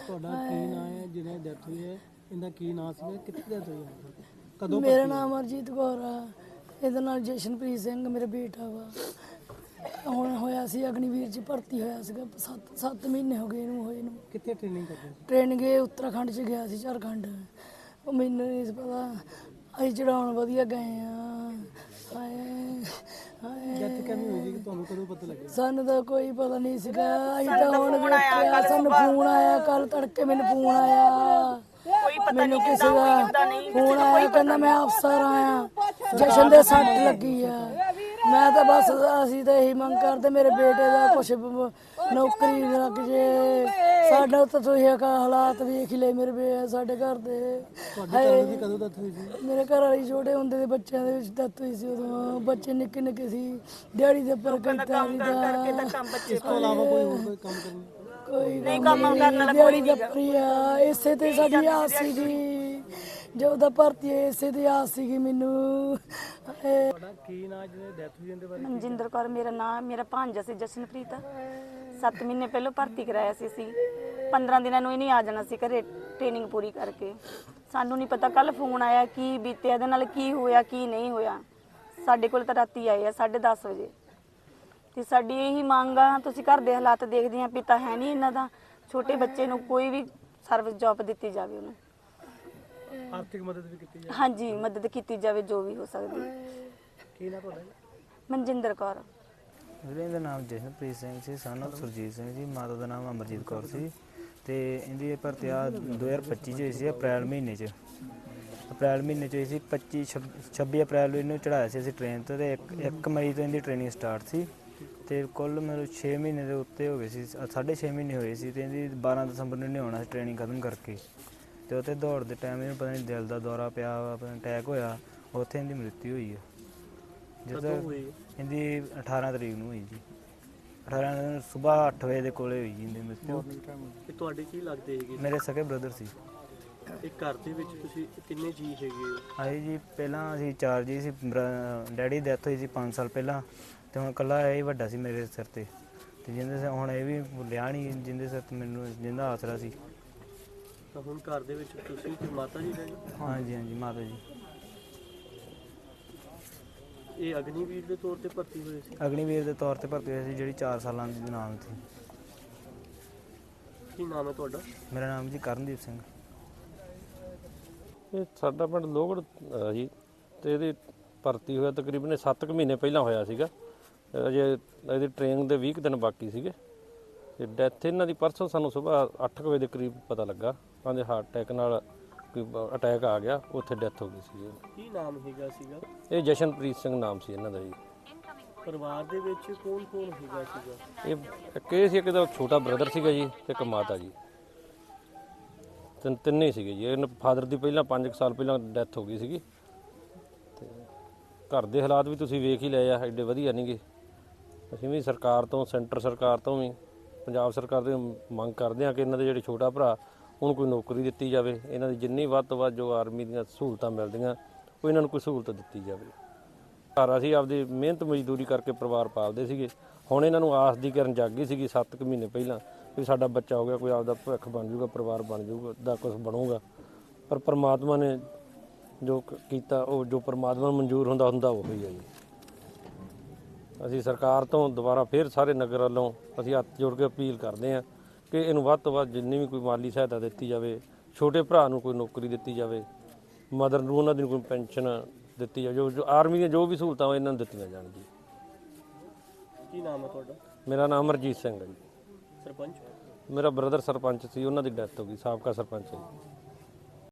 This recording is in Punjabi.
ਤੁਹਾਡਾ ਕੀ ਨਾਂ ਹੈ ਜਿਹਨੇ ਡੈਥ ਹੋਈ ਹੈ? ਇਹਦਾ ਕੀ ਨਾਂ ਸੀਗਾ, ਕਿੱਥੇ ਡੈਥ ਹੋਈ ਹੈ, ਕਦੋਂ? ਮੇਰਾ ਨਾਮ ਅਰਜੀਤ ਕੌਰ ਆ। ਇਹਦੇ ਨਾਲ ਜਸ਼ਨਪ੍ਰੀਤ ਸਿੰਘ ਮੇਰਾ ਬੇਟਾ ਵਾ। ਹੁਣ ਹੋਇਆ ਸੀ ਅਗਨੀਵੀਰ ਚ ਭਰਤੀ ਹੋਇਆ ਸੀਗਾ। 7 ਮਹੀਨੇ ਹੋ ਗਏ ਇਹਨੂੰ ਹੋਏ ਨੂੰ। ਕਿੱਥੇ ਟ੍ਰੇਨਿੰਗ ਕਰਦੇ ਸੀ? ਟ੍ਰੇਨਿੰਗ ਇਹ ਉੱਤਰਾਖੰਡ ਚ ਗਿਆ ਸੀ, ਝਾਰਖੰਡ। ਉਹ ਮੈਨੂੰ ਨਹੀਂ ਸੀ ਪਤਾ। ਅਸੀਂ ਚੜਾਉਣ ਵਧੀਆ ਗਏ ਆ। ਡੈਥ ਕਿਵੇਂ ਹੋਈ ਸੀ, ਤੁਹਾਨੂੰ ਕਦੋਂ ਪਤਾ ਲੱਗਿਆ? ਸਾਨੂੰ ਤਾਂ ਕੋਈ ਪਤਾ ਨਹੀਂ ਸੀਗਾ। ਅਸੀਂ ਤਾਂ ਹੁਣ ਵੇਖਿਆ, ਸਾਨੂੰ ਫੋਨ ਆਇਆ ਕੱਲ ਤੜਕੇ। ਮੈਨੂੰ ਫੋਨ ਆਇਆ, ਮੈਨੂੰ ਕਿਸੇ ਦਾ ਫੋਨ ਆਇਆ, ਕਹਿੰਦਾ ਮੈਂ ਅਫਸਰ ਆਇਆ, ਜਸ਼ਨ ਦੇ ਸੱਟ ਲੱਗੀ ਆ। ਮੈਂ ਤਾਂ ਬਸ ਅਸੀਂ ਤਾਂ ਇਹੀ ਮੰਗ ਕਰਦੇ ਮੇਰੇ ਬੇਟੇ ਦਾ ਕੁਛ ਨੌਕਰੀ ਲੱਗ ਜੇ। ਸਾਡਾ ਤਾਂ ਤੁਸੀਂ ਹਾਲਾਤ ਵੇਖ ਹੀ ਲਏ ਮੇਰੇ ਸਾਡੇ ਘਰ ਦੇ। ਕਦੋਂ ਡੈਥ ਹੋਈ ਸੀ? ਮੇਰੇ ਘਰ ਵਾਲੀ ਛੋਟੇ ਹੁੰਦੇ ਦੇ ਬੱਚਿਆਂ ਦੇ ਵਿੱਚ ਡੈਥ ਹੋਈ ਸੀ। ਉਦੋਂ ਬੱਚੇ ਨਿੱਕੇ ਨਿੱਕੇ ਸੀ। ਦਿਹਾੜੀ ਦੇ ਉੱਪਰ ਕੰਮ ਇਸ ਤੋਂ ਇਲਾਵਾ ਕੋਈ ਹੋਰ ਕੋਈ ਕੰਮ ਕਰਨ? ਕੋਈ ਨਹੀਂ ਕੰਮ ਕਰਨ ਵਾਲਾ ਕੋਈ ਨਹੀਂ ਆ। ਇਸੇ ਤੇ ਸਾਡੀ ਆਸ ਸੀਗੀ, ਜੋ ਦਾ ਭਰਤੀ ਹੈ ਇਸੇ ਦੀ ਆਸ ਸੀਗੀ ਮੈਨੂੰ। ਤੁਹਾਡਾ ਕੀ ਨਾਂ ਜਿਹਨੇ ਡੈਥ ਹੋਈ ਇਹਦੇ ਬਾਰੇ? ਮਨਜਿੰਦਰ ਕੌਰ ਮੇਰਾ ਨਾਮ। ਮੇਰਾ ਭਾਂਜਾ ਸੀ ਜਸ਼ਨਪ੍ਰੀਤ। 7 ਮਹੀਨੇ ਪਹਿਲਾਂ ਭਰਤੀ ਕਰਾਇਆ ਸੀ ਅਸੀਂ। 15 ਦਿਨਾਂ ਨੂੰ ਇਹਨੇ ਆ ਜਾਣਾ ਸੀ ਘਰੇ ਟ੍ਰੇਨਿੰਗ ਪੂਰੀ ਕਰਕੇ। ਸਾਨੂੰ ਨਹੀਂ ਪਤਾ ਕੱਲ ਫੋਨ ਆਇਆ ਕੀ ਬੀਤਿਆ ਇਹਦੇ ਨਾਲ, ਕੀ ਹੋਇਆ ਕੀ ਨਹੀਂ ਹੋਇਆ। ਸਾਡੇ ਕੋਲ ਤਾਂ ਰਾਤੀ ਆਏ ਆ 10:30 ਵਜੇ। ਤੇ ਸਾਡੀ ਇਹੀ ਮੰਗ ਆ, ਤੁਸੀਂ ਘਰ ਦੇ ਹਾਲਾਤ ਦੇਖਦੇ ਆ, ਪਿਤਾ ਹੈ ਨਹੀਂ ਇਹਨਾਂ ਦਾ। ਛੋਟੇ ਬੱਚੇ ਨੂੰ ਕੋਈ ਵੀ ਸਰਵਿਸ ਜੌਬ ਦਿੱਤੀ ਜਾਵੇ, ਉਹਨੂੰ ਆਰਥਿਕ ਮਦਦ ਵੀ ਕੀਤੀ ਜਾਵੇ। ਹਾਂਜੀ ਮਦਦ ਕੀਤੀ ਜਾਵੇ ਜੋ ਵੀ ਹੋ ਸਕਦੀ। ਕੀ ਨਾਂ ਤੁਹਾਡਾ? ਮਨਜਿੰਦਰ ਕੌਰ। ਵੀਰੇ ਦਾ ਨਾਮ ਜਸ਼ਨਪ੍ਰੀਤ ਸਿੰਘ ਸੀ, son of ਸੁਰਜੀਤ ਸਿੰਘ ਜੀ। ਮਾਤਾ ਦਾ ਨਾਮ ਅਮਰਜੀਤ ਕੌਰ ਸੀ। ਤੇ ਇਹਦੀ ਭਰਤੀ 2025 ਚ ਹੋਈ ਸੀ, ਅਪ੍ਰੈਲ ਮਹੀਨੇ ਚ। ਅਪ੍ਰੈਲ ਮਹੀਨੇ ਚ ਹੋਈ ਸੀ। 26 ਅਪ੍ਰੈਲ ਨੂੰ ਇਹਨੂੰ ਚੜਾਇਆ ਸੀ ਅਸੀਂ ਟ੍ਰੇਨ ਤੇ। 1 ਮਈ ਤੋਂ ਇਹਦੀ ਟ੍ਰੇਨਿੰਗ ਸਟਾਰਟ ਸੀ। ਤੇ ਕੁੱਲ ਮੈਨੂੰ 6 ਮਹੀਨੇ ਦੇ ਉੱਤੇ ਹੋ ਗਏ ਸੀ, 6.5 ਮਹੀਨੇ ਹੋਏ ਸੀ। ਤੇ ਇਹਦੀ 12 ਦਸੰਬਰ ਨੂੰ ਆਉਣਾ ਸੀ ਟ੍ਰੇਨਿੰਗ ਖਤਮ ਕਰਕੇ। ਤੇ ਉੱਥੇ ਦੌੜ ਦੇ ਟਾਈਮ ਇਹਨੂੰ ਪਤਾ ਨਹੀਂ ਦਿਲ ਦਾ ਦੌਰਾ ਪਿਆ, ਆਪਣਾ ਅਟੈਕ ਹੋਇਆ, ਉੱਥੇ ਇਹਦੀ ਮ੍ਰਿਤੂ ਹੋਈ ਹੈ। ਜਦੋਂ ਇਹਦੀ 18 ਤਰੀਕ ਨੂੰ ਹੋਈ ਜੀ। 18 ਨੂੰ ਸੁਬਾਹ 8 ਵਜੇ ਦੇ ਕੋਲੇ ਹੋਈ ਜੀ ਇਹਦੀ ਮ੍ਰਿਤੂ। ਤੁਹਾਡੇ ਕੀ ਲੱਗਦੇ ਹੈਗੇ? ਮੇਰੇ ਸਕੇ ਬ੍ਰਦਰ ਸੀ। ਇਹ ਘਰ ਦੇ ਵਿੱਚ ਤੁਸੀਂ ਕਿੰਨੇ ਜੀ ਹੈਗੇ ਹੋ? ਆਏ ਜੀ ਪਹਿਲਾਂ ਅਸੀਂ 4 ਜੀ ਸੀ। ਡੈਡੀ ਦੀ ਡੈਥ ਹੋਈ ਸੀ 5 ਸਾਲ ਪਹਿਲਾਂ। ਤੇ ਹੁਣ ਇਕੱਲਾ ਇਹ ਵੱਡਾ ਸੀ ਮੇਰੇ ਸਿਰ ਤੇ। ਤੇ ਜਿੰਦੇ ਸਿਰ ਹੁਣ ਇਹ ਵੀ ਭੁੱਲਿਆ ਨਹੀਂ, ਜਿੰਦੇ ਸਿਰ ਤੇ ਮੈਨੂੰ ਜਿੰਦਾ ਆਸਰਾ ਸੀ। ਤਾਂ ਹੁਣ ਘਰ ਦੇ ਵਿੱਚ ਤੁਸੀਂ ਤੇ ਮਾਤਾ ਜੀ ਰਹਿੰਦੇ? ਹਾਂਜੀ ਹਾਂਜੀ ਮਾਤਾ ਜੀ। ਇਹ ਅਗਨੀਵੀਰ ਦੇ ਤੌਰ ਤੇ ਭਰਤੀ ਹੋਏ ਸੀ? ਅਗਨੀਵੀਰ ਦੇ ਤੌਰ ਤੇ ਭਰਤੀ ਹੋਈ ਸੀ, ਜਿਹੜੀ 4 ਸਾਲਾਂ ਦੀ ਨਾਮ ਸੀ। ਕੀ ਨਾਮ ਹੈ ਤੁਹਾਡਾ? ਮੇਰਾ ਨਾਮ ਜੀ ਕਰਨਦੀਪ ਸਿੰਘ। ਇਹ ਸਾਡਾ ਪਿੰਡ ਲੋਹਗੜ੍ਹ ਜੀ। ਤੇ ਇਹਦੀ ਭਰਤੀ ਹੋਇਆ ਤਕਰੀਬਨ 7 ਮਹੀਨੇ ਪਹਿਲਾਂ ਹੋਇਆ ਸੀਗਾ। ਅਜੇ ਇਹਦੀ ਟ੍ਰੇਨਿੰਗ ਦੇ 20 ਦਿਨ ਬਾਕੀ ਸੀਗੇ। ਤੇ ਡੈਥ ਇਹਨਾਂ ਦੀ ਪਰਸੋਂ ਸਾਨੂੰ ਸਵੇਰ 8 ਵਜੇ ਦੇ ਕਰੀਬ ਪਤਾ ਲੱਗਾ। ਕਹਿੰਦੇ ਹਾਰਟ ਅਟੈਕ ਨਾਲ ਕੋਈ ਅਟੈਕ ਆ ਗਿਆ, ਉੱਥੇ ਡੈਥ ਹੋ ਗਈ ਸੀ। ਕੀ ਨਾਮ ਹੈਗਾ ਸੀਗਾ? ਇਹ ਜਸ਼ਨਪ੍ਰੀਤ ਸਿੰਘ ਨਾਮ ਸੀ ਇਹਨਾਂ ਦਾ ਜੀ। ਪਰਿਵਾਰ ਦੇ ਵਿੱਚ ਕੌਣ ਕੌਣ ਹੈਗਾ ਸੀਗਾ? ਇਹ ਸੀ, ਇੱਕ ਦਾ ਛੋਟਾ ਬ੍ਰਦਰ ਸੀਗਾ ਜੀ, ਤੇ ਇੱਕ ਮਾਤਾ ਜੀ। ਤਿੰਨੇ ਸੀਗੇ ਜੀ। ਇਹਨਾਂ ਫਾਦਰ ਦੀ ਪਹਿਲਾਂ 5 ਸਾਲ ਪਹਿਲਾਂ ਡੈਥ ਹੋ ਗਈ ਸੀਗੀ। ਤੇ ਘਰ ਦੇ ਹਾਲਾਤ ਵੀ ਤੁਸੀਂ ਵੇਖ ਹੀ ਲਏ ਆ, ਐਡੇ ਵਧੀਆ ਨਹੀਂਗੇ। ਅਸੀਂ ਵੀ ਸਰਕਾਰ ਤੋਂ, ਸੈਂਟਰ ਸਰਕਾਰ ਤੋਂ ਵੀ, ਪੰਜਾਬ ਸਰਕਾਰ ਤੋਂ ਮੰਗ ਕਰਦੇ ਹਾਂ ਕਿ ਇਹਨਾਂ ਦੇ ਜਿਹੜੇ ਛੋਟਾ ਭਰਾ ਉਹਨੂੰ ਕੋਈ ਨੌਕਰੀ ਦਿੱਤੀ ਜਾਵੇ। ਇਹਨਾਂ ਦੀ ਜਿੰਨੀ ਵੱਧ ਤੋਂ ਵੱਧ ਜੋ ਆਰਮੀ ਦੀਆਂ ਸਹੂਲਤਾਂ ਮਿਲਦੀਆਂ, ਉਹ ਇਹਨਾਂ ਨੂੰ ਕੋਈ ਸਹੂਲਤ ਦਿੱਤੀ ਜਾਵੇ। ਘਰ ਅਸੀਂ ਆਪਦੀ ਮਿਹਨਤ ਮਜ਼ਦੂਰੀ ਕਰਕੇ ਪਰਿਵਾਰ ਪਾਲਦੇ ਸੀਗੇ। ਹੁਣ ਇਹਨਾਂ ਨੂੰ ਆਸ ਦੀ ਕਿਰਨ ਜਾਗੀ ਸੀਗੀ 7 ਮਹੀਨੇ ਪਹਿਲਾਂ ਵੀ ਸਾਡਾ ਬੱਚਾ ਹੋ ਗਿਆ, ਕੋਈ ਆਪਦਾ ਭਵਿੱਖ ਬਣ ਜਾਊਗਾ, ਪਰਿਵਾਰ ਬਣ ਜਾਊਗਾ, ਦਾ ਕੁਛ ਬਣੂਗਾ। ਪਰ ਪਰਮਾਤਮਾ ਨੇ ਜੋ ਕੀਤਾ, ਉਹ ਜੋ ਪਰਮਾਤਮਾ ਨੂੰ ਮਨਜ਼ੂਰ ਹੁੰਦਾ ਉਹ ਹੀ ਹੈ ਜੀ। ਅਸੀਂ ਸਰਕਾਰ ਤੋਂ ਦੁਬਾਰਾ ਫਿਰ ਸਾਰੇ ਨਗਰ ਵੱਲੋਂ ਅਸੀਂ ਹੱਥ ਜੋੜ ਕੇ ਅਪੀਲ ਕਰਦੇ ਹਾਂ ਕਿ ਇਹਨੂੰ ਵੱਧ ਤੋਂ ਵੱਧ ਜਿੰਨੀ ਵੀ ਕੋਈ ਮਾਲੀ ਸਹਾਇਤਾ ਦਿੱਤੀ ਜਾਵੇ, ਛੋਟੇ ਭਰਾ ਨੂੰ ਕੋਈ ਨੌਕਰੀ ਦਿੱਤੀ ਜਾਵੇ, ਮਦਰ ਨੂੰ ਉਹਨਾਂ ਦੀ ਕੋਈ ਪੈਨਸ਼ਨ ਦਿੱਤੀ ਜਾਵੇ, ਜੋ ਆਰਮੀ ਦੀਆਂ ਜੋ ਵੀ ਸਹੂਲਤਾਂ ਉਹ ਇਹਨਾਂ ਨੂੰ ਦਿੱਤੀਆਂ ਜਾਣ ਜੀ। ਕੀ ਨਾਮ ਹੈ ਤੁਹਾਡਾ? ਮੇਰਾ ਨਾਮ ਅਮਰਜੀਤ ਸਿੰਘ ਹੈ ਜੀ। ਸਰਪੰਚ? ਮੇਰਾ ਬ੍ਰਦਰ ਸਰਪੰਚ ਸੀ, ਉਹਨਾਂ ਦੀ ਡੈਥ ਹੋ ਗਈ, ਸਾਬਕਾ ਸਰਪੰਚ ਹੈ ਜੀ।